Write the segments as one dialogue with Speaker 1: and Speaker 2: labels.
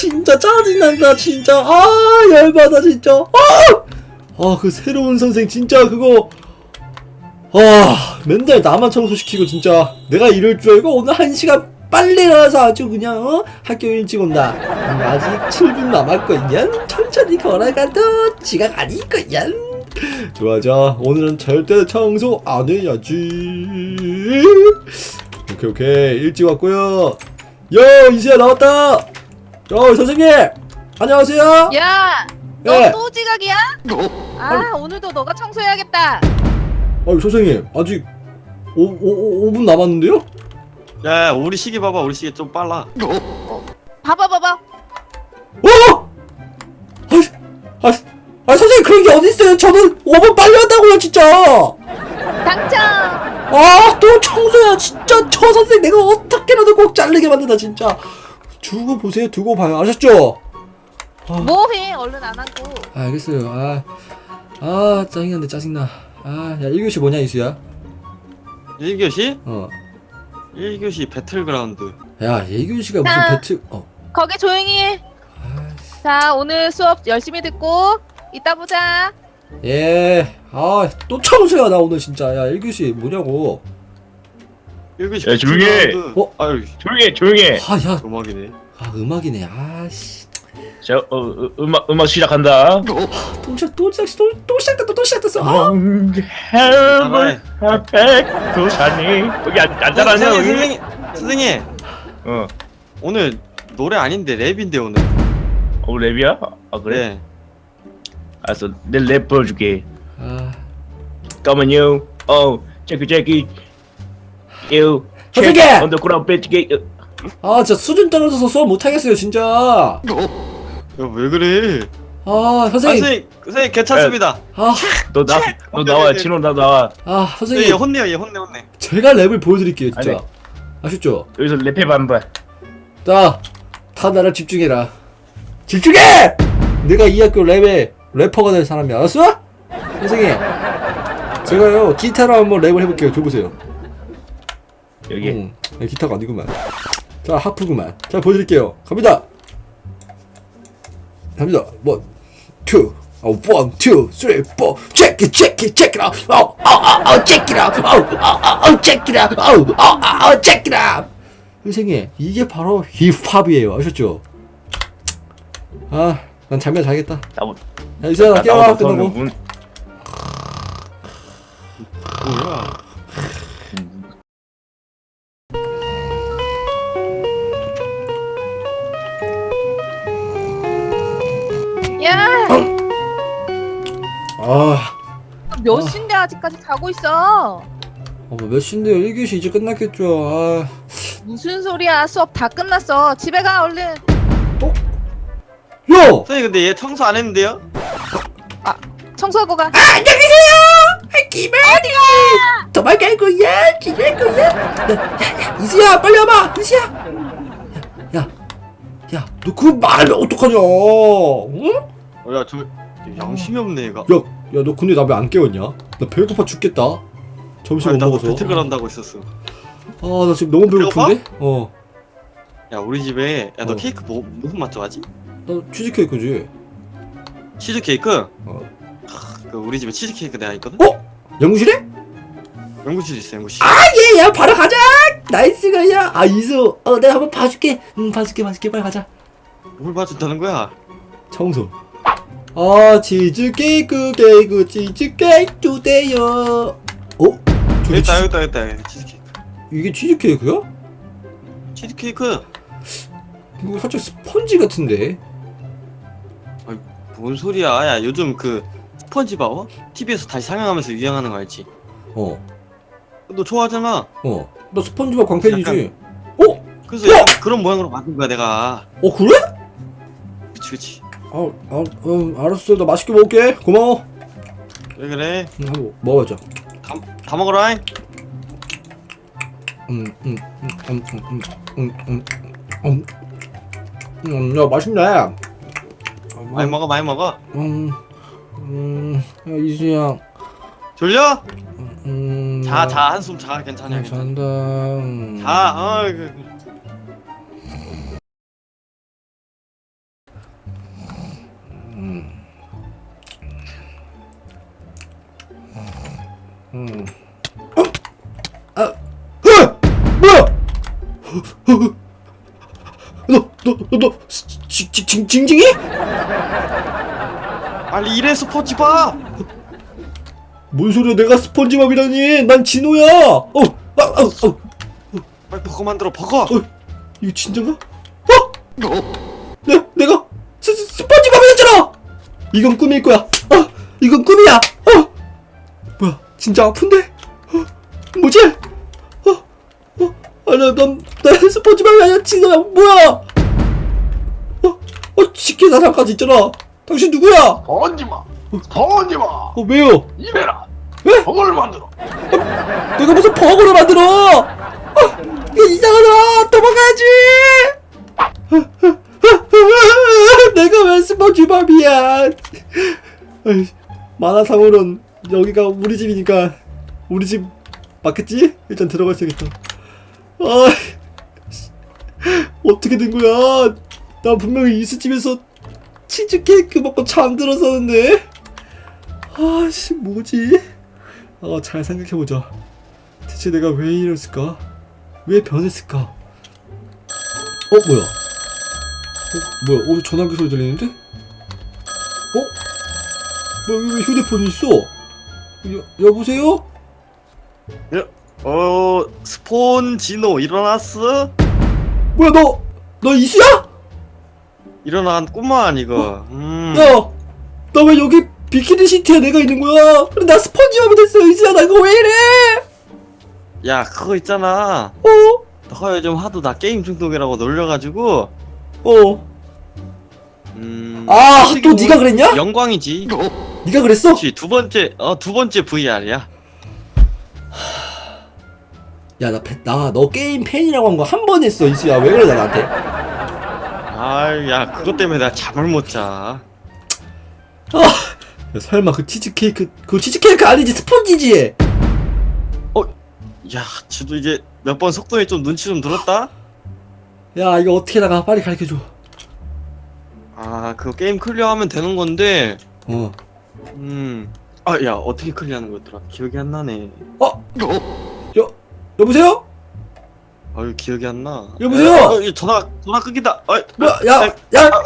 Speaker 1: 진짜 짜증난다 진짜. 아 열받아 진짜. 그 새로운 선생 진짜 그거 맨날 나만 청소시키고 진짜 내가 이럴 줄 알고 오늘 1시간 빨리 나와서 아주 그냥 학교 일찍 온다. 아직 7분 남았거든. 천천히 걸어가도 지각 아니거든. 좋아 좋아 오늘은 절대 청소 안 해야지. 오케이 일찍 왔고요. 이수야 나왔다. 선생님 안녕하세요.
Speaker 2: 야,
Speaker 1: 네.
Speaker 2: 너 또 지각이야? 오늘도 너가 청소해야겠다.
Speaker 1: 선생님 아직 5분 남았는데요?
Speaker 3: 야, 우리 시계 봐봐. 우리 시계 좀 빨라.
Speaker 2: 봐봐.
Speaker 1: 선생님 그런 게 어딨어요. 저는 5분 빨리 한다고요 진짜.
Speaker 2: 당첨.
Speaker 1: 또 청소야 진짜. 저 선생님 내가 어떻게라도 꼭 자르게 만든다 진짜. 두고 보세요. 두고 봐요. 아셨죠?
Speaker 2: 뭐해? 얼른 안 하고.
Speaker 1: 알겠어요. 짜증난데 짜증나. 야 1교시 뭐냐 이수야?
Speaker 3: 1교시?
Speaker 1: 어.
Speaker 3: 1교시 배틀그라운드.
Speaker 1: 야 1교시가 무슨 배틀
Speaker 2: 거기 조용히 해. 자, 오늘 수업 열심히 듣고 이따 보자.
Speaker 1: 예. 또 청소야 나 오늘 진짜. 야 1교시 뭐냐고.
Speaker 3: 1교시
Speaker 4: 야, 조용히 해.
Speaker 3: 배틀그라운드. 아유,
Speaker 4: 조용히 해.
Speaker 1: 야.
Speaker 3: 음악이네.
Speaker 1: 음악이네. 씨.
Speaker 4: 자, 음악 시작한다.
Speaker 1: 또 시작됐어.
Speaker 4: 헬물 도사니 여기 앉아라냐 여기.
Speaker 3: 선생님. 오늘 노래 아닌데 랩인데 오늘.
Speaker 4: 랩이야? 그래?
Speaker 3: 네.
Speaker 4: 알았어, 내 랩 보여줄게. 잠깐만요. 체크 유
Speaker 1: 선생님!
Speaker 4: 언더그라운드 배치게.
Speaker 1: 진짜 수준 떨어져서 수업 못하겠어요 진짜.
Speaker 3: 야, 왜 그래?
Speaker 1: 선생님.
Speaker 3: 선생님 괜찮습니다.
Speaker 4: 너 나와. 진호 나 나와.
Speaker 1: 선생님.
Speaker 3: 얘 혼내요. 얘 혼내.
Speaker 1: 제가 랩을 보여드릴게요 진짜.
Speaker 4: 아니.
Speaker 1: 아셨죠?
Speaker 4: 여기서 랩해봐 한번.
Speaker 1: 다 나를 집중해라. 집중해! 내가 이 학교 래퍼가 될 사람이야. 알았어? 선생님 제가요 기타로 한번 랩을 해볼게요. 줘보세요.
Speaker 4: 여기.
Speaker 1: 기타가 아니구만. 자 하프구만. 자 보여드릴게요. 갑니다. 1, 2, 1, 2, 3, 4 check it out. check it out. check it out. 선생님 이게 바로 힙합이에요. 아셨죠? 난 잠이나 자야겠다. 야 이수야 나 깨워. 끝나고.
Speaker 3: 뭐야?
Speaker 2: 야, 몇
Speaker 1: 아.
Speaker 2: 시인데 아직까지 자고 있어?
Speaker 1: 몇 시인데요? 1교시 이제 끝났겠죠.
Speaker 2: 무슨 소리야? 수업 다 끝났어. 집에 가 얼른.
Speaker 1: 야!
Speaker 3: 선생님 근데 얘 청소 안 했는데요?
Speaker 2: 청소하고 가.
Speaker 1: 안녕히 계세요! 기만이! 도망갈 거야! 지낼 거야! 야, 이수야! 빨리 와봐! 이수야! 야, 너 그거 말하면 어떡하냐! 응?
Speaker 3: 야, 저 양심이 없네 얘가.
Speaker 1: 야, 너 근데 나 왜 안 깨웠냐? 나 배고파 죽겠다. 점심 못
Speaker 3: 나도
Speaker 1: 먹어서.
Speaker 3: 배틀그라운드 하고 있었어.
Speaker 1: 나 지금 너무 배고픈데?
Speaker 3: 야, 우리 집에 너
Speaker 1: 어.
Speaker 3: 케이크 무슨 맛 좋아하지?
Speaker 1: 나 치즈케이크지.
Speaker 3: 치즈케이크?
Speaker 1: 어.
Speaker 3: 그 우리 집에 치즈케이크 내가 있거든?
Speaker 1: 연구실에?
Speaker 3: 연구실 있어, 연구실.
Speaker 1: 야, 바로 가자! 나이스 거야! 이수, 내가 한번 봐줄게. 봐줄게. 빨리 가자.
Speaker 3: 뭘 봐준다는 거야?
Speaker 1: 청소. 치즈케이크, 치즈케이크 주세요. 저게
Speaker 3: 여기다 치즈케이크.
Speaker 1: 이게 치즈케이크야?
Speaker 3: 치즈케이크?
Speaker 1: 이거 살짝 스펀지 같은데?
Speaker 3: 뭔 소리야? 야, 요즘 그 스펀지바워? TV에서 다시 상영하면서 유행하는 거 알지? 너 좋아하잖아.
Speaker 1: 나 스펀지밥 광팬이지.
Speaker 3: 그래서 약간 그런 모양으로 만든 거야 내가.
Speaker 1: 그래?
Speaker 3: 그치.
Speaker 1: 알았어. 나 맛있게 먹을게. 고마워.
Speaker 3: 왜 그래?
Speaker 1: 한번 먹어보자.
Speaker 3: 다 먹어라.
Speaker 1: 야, 맛있네.
Speaker 3: 많이 먹어.
Speaker 1: 야, 이수야.
Speaker 3: 졸려? 자, 한숨 자. 괜찮아.
Speaker 1: 잔다.
Speaker 3: 자,
Speaker 1: 뭐야? 너 징징이?
Speaker 3: 빨리 일해 스폰지밥.
Speaker 1: 뭔 소리야? 내가 스펀지밥이라니? 난 진호야.
Speaker 3: 빨리 버거 만들어 버거.
Speaker 1: 이거 진짜인가? 내가 스펀지밥이었잖아. 이건 꿈일 거야. 이건 꿈이야. 뭐야? 진짜 아픈데? 뭐지? 난 스펀지밥이 아니야. 진호야. 뭐야? 식기사상까지 있잖아. 당신 누구야?
Speaker 5: 번지마! 번지마!
Speaker 1: 왜요?
Speaker 5: 이래라!
Speaker 1: 왜?
Speaker 5: 버거를 만들어!
Speaker 1: 내가 무슨 버거를 만들어? 이거 이상하다. 도망가야지. 내가 왜 스펀지밥이야? 만화상으론 여기가 우리 집이니까 우리 집 맞겠지? 일단 들어가 있어야겠다. 어떻게 된 거야? 나 분명히 이수집에서 치즈케이크 먹고 잠들었었는데. 아씨 뭐지? 잘 생각해보자. 대체 내가 왜 이랬을까? 왜 변했을까? 뭐야? 뭐야? 전화기 소리 들리는데? 뭐야? 왜 휴대폰이 있어? 여보세요?
Speaker 3: 스폰지노 일어났어?
Speaker 1: 뭐야 너 이수야?
Speaker 3: 일어났구만 이거.
Speaker 1: 야! 나 왜 여기 비키니 시티에 내가 있는 거야? 근데 나 스펀지밥이 됐어. 이수야 나 이거 왜 이래?
Speaker 3: 야 그거 있잖아. 너가 요즘 하도 나 게임 중독이라고 놀려가지고.
Speaker 1: 또 네가 그랬냐?
Speaker 3: 영광이지.
Speaker 1: 네가 그랬어?
Speaker 3: 그렇지 두 번째 VR이야.
Speaker 1: 야 너 게임 팬이라고 한 거 한 번 했어. 이수야 왜 그러냐 나한테?
Speaker 3: 야 그것 때문에 내가 잠을 못 자.
Speaker 1: 야, 설마 그 치즈케이크 아니지? 스펀지지?
Speaker 3: 야 지도 이제 몇 번 속도에 좀 눈치 좀 들었다?
Speaker 1: 야 이거 어떻게 나가? 빨리 가르쳐줘.
Speaker 3: 그거 게임 클리어하면 되는 건데. 야 어떻게 클리어하는 거였더라? 기억이 안 나네.
Speaker 1: 여보세요?
Speaker 3: 기억이 안 나.
Speaker 1: 여보세요?
Speaker 3: 전화 끊긴다.
Speaker 1: 뭐야? 야!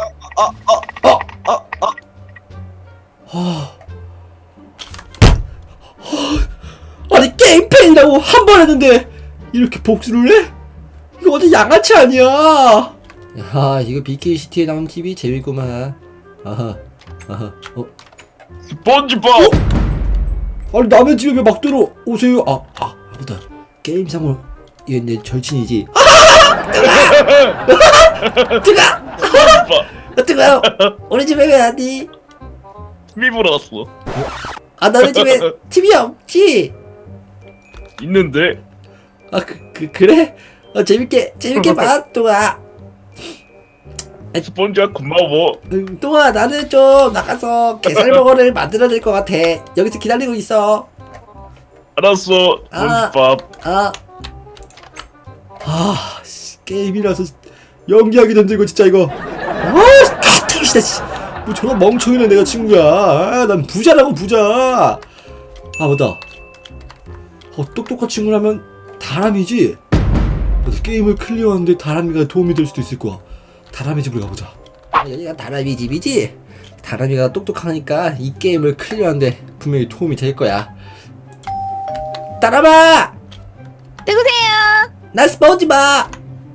Speaker 1: 아니 게임 팬이라고 한 번 했는데 이렇게 복수를 해? 이거 완전 양아치 아니야? 야 이거 BKCT에 나온 TV 재밌구만.
Speaker 4: 스폰지밥!
Speaker 1: 아니 남의 집에 왜 막 들어오세요? 아무튼 게임상으로 이게 내 절친이지. 뜨거워. 우리 집에 왜 왔니?
Speaker 4: TV 보러 왔어.
Speaker 1: 너네 집에 TV 없지?
Speaker 4: 있는데?
Speaker 1: 그래? 재밌게 봐, 똥아.
Speaker 4: 스폰지밥 고마워.
Speaker 1: 똥아, 나는 좀 나가서 게살버거를 만들어야 될 것 같아. 여기서 기다리고 있어.
Speaker 4: 알았어. 스폰지밥.
Speaker 1: 게임이라서 연기하기 힘들고 진짜 이거. 진짜. 뭐 저런 멍청이는 내가 친구야. 난 부자라고 부자. 맞다. 똑똑한 친구라면 다람이지? 게임을 클리어하는데 다람이가 도움이 될 수도 있을 거야. 다람이 집으로 가보자. 여기가 다람이 집이지? 다람이가 똑똑하니까 이 게임을 클리어하는데 분명히 도움이 될 거야. 다람아!
Speaker 2: 누구세요?
Speaker 1: 나 스펀지밥!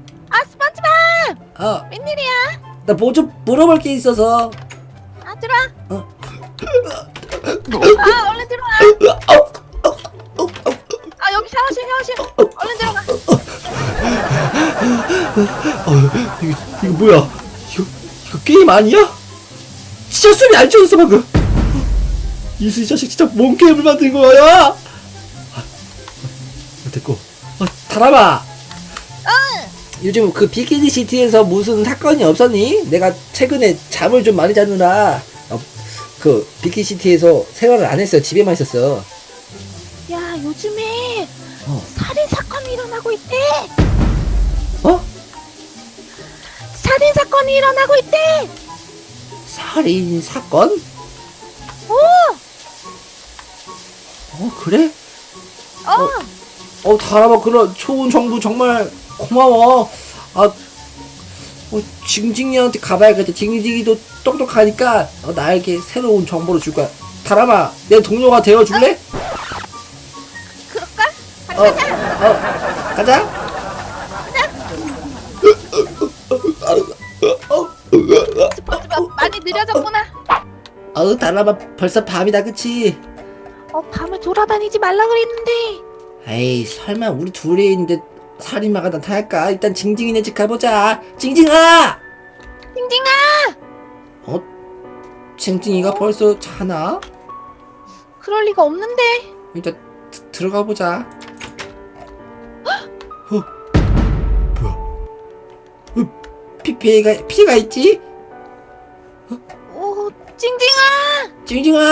Speaker 2: 스펀지밥! 웬일이야?
Speaker 1: 나 뭐 좀 물어볼 게 있어서.
Speaker 2: 들어와. 얼른 들어와. 여기 샤워실. 얼른 들어가.
Speaker 1: 이거 뭐야? 이거 게임 아니야? 진짜 숨이 안 쉬어졌어 방금. 이수 이 자식 진짜 뭔 게임을 만든 거야? 됐고. 다람아. 요즘 그 비키니 시티에서 무슨 사건이 없었니? 내가 최근에 잠을 좀 많이 자느라 그 비키니 시티에서 생활을 안 했어. 집에만 있었어.
Speaker 2: 야, 요즘에 살인 사건이 일어나고 있대. 살인 사건이 일어나고 있대.
Speaker 1: 살인 사건? 그래? 다람아, 그런 좋은 정보 정말 고마워. 징징이한테 가봐야겠다. 징징이도 똑똑하니까 나에게 새로운 정보를 줄 거야. 다람아, 내 동료가 되어줄래?
Speaker 2: 그럴까? 가자.
Speaker 1: 가자.
Speaker 2: 스펀지밥 많이 느려졌구나.
Speaker 1: 다람아, 벌써 밤이다, 그치?
Speaker 2: 밤에 돌아다니지 말라 그랬는데.
Speaker 1: 에이, 설마 우리 둘이 있는데 살인마가 나타날까? 일단 징징이네 집 가보자. 징징아!
Speaker 2: 징징아!
Speaker 1: 징징이가 벌써 자나?
Speaker 2: 그럴 리가 없는데.
Speaker 1: 일단 들어가 보자. 뭐야? 피가 있지?
Speaker 2: 징징아!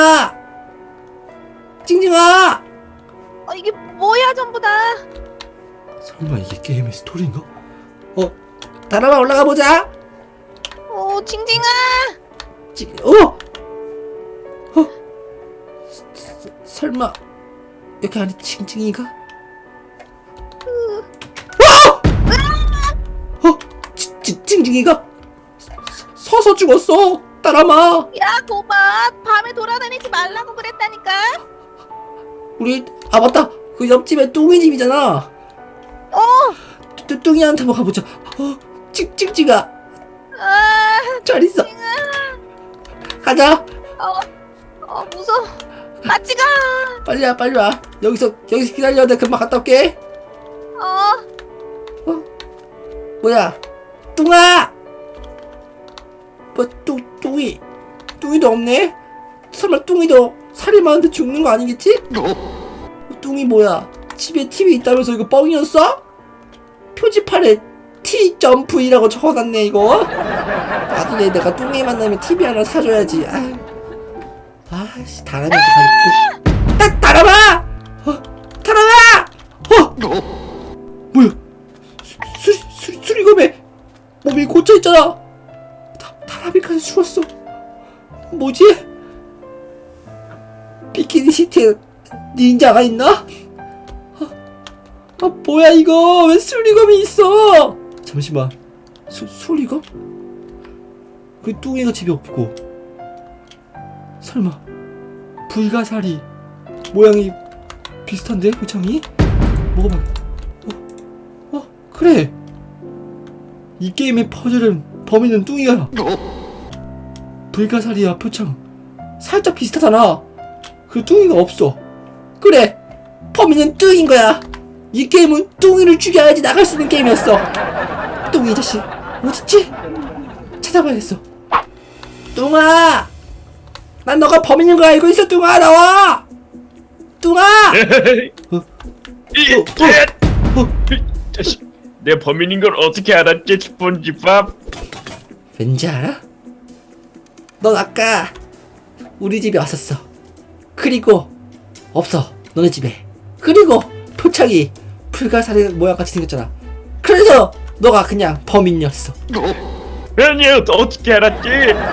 Speaker 1: 징징아!
Speaker 2: 이게 뭐야 전부 다.
Speaker 1: 설마 이게 게임의 스토리인가? 다람아, 올라가 보자.
Speaker 2: 징징아!
Speaker 1: 설마 여기 안에 징징이가? 징징이가 서서 죽었어. 다람아,
Speaker 2: 야 고마. 밤에 돌아다니지 말라고 그랬다니까.
Speaker 1: 우리 맞다. 그 옆집에 뚱이 집이잖아. 뚱이한테 한번 가보자. 징징아, 잘 있어. 가자.
Speaker 2: 무서워. 같이 가.
Speaker 1: 빨리 와. 여기서 기다려. 내가 금방 갔다 올게. 뭐야? 뚱아! 뚱이도 없네? 설마 뚱이도 살인마한테 죽는 거 아니겠지? 뚱이 뭐야? 집에 TV 있다면서 이거 뻥이었어? 표지판에 T.V라고 적어놨네 이거. 나중에 내가 뚱이 만나면 TV 하나 사줘야지. 다람이한테 가니까. 다람아! 다람아! 뭐야? 수리검에 몸이 꽂혀있잖아. 다람이까지 죽었어. 뭐지? 비키니 시티에 닌자가 있나? 뭐야 이거? 왜 수리검이 있어? 잠시만. 수리검? 그 뚱이가 집에 없고, 설마 불가사리 모양이 비슷한데? 표창이? 먹어봐. 그래. 이 게임의 퍼즐은 범인은 뚱이야. 불가사리와 표창 살짝 비슷하잖아. 그 뚱이가 없어. 그래, 범인은 뚱인 거야. 이 게임은 뚱이를 죽여야지 나갈 수 있는 게임이었어. 뚱이 자식 어딨지? 찾아봐야겠어. 뚱아, 난 너가 범인인 거 알고 있어. 뚱아, 나와. 뚱아.
Speaker 4: 자식, 내 범인인 걸 어떻게 알았지, 스폰지밥?
Speaker 1: 왠지 알아? 넌 아까 우리 집에 왔었어. 그리고 없어, 너네 집에. 그리고 표창이 불가사리 모양같이 생겼잖아. 그래서 너가 그냥 범인이었어.
Speaker 4: 아니, 어떻게 알았지?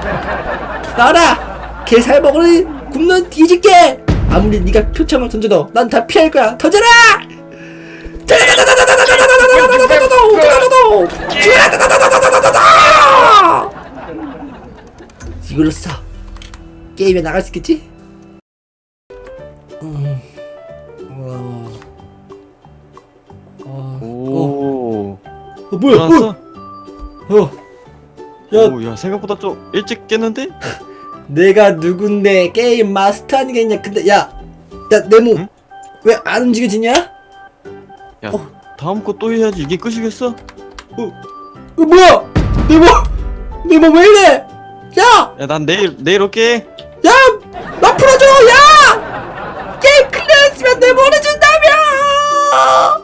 Speaker 1: 나라, 게살먹으니 굶는 뒤질게. 아무리 네가 표창을 던져도 난 다 피할 거야. 던져라! 이걸로써 게임에 나갈 수 있겠지? 뭐야?
Speaker 3: 일어났어?
Speaker 1: 야,
Speaker 3: 야, 생각보다 좀 일찍 깼는데?
Speaker 1: 내가 누군데 게임 마스터 아니겠냐? 근데 야, 내 몸
Speaker 3: 응?
Speaker 1: 왜 안 움직여지냐?
Speaker 3: 야, 다음 거 또 해야지. 이게 끝이겠어?
Speaker 1: 뭐야? 내 몸 왜 이래? 야,
Speaker 3: 야, 난 내일 올게.
Speaker 1: 야, 나 풀어줘. 야, 게임 클리어했으면 내 머리 준다며.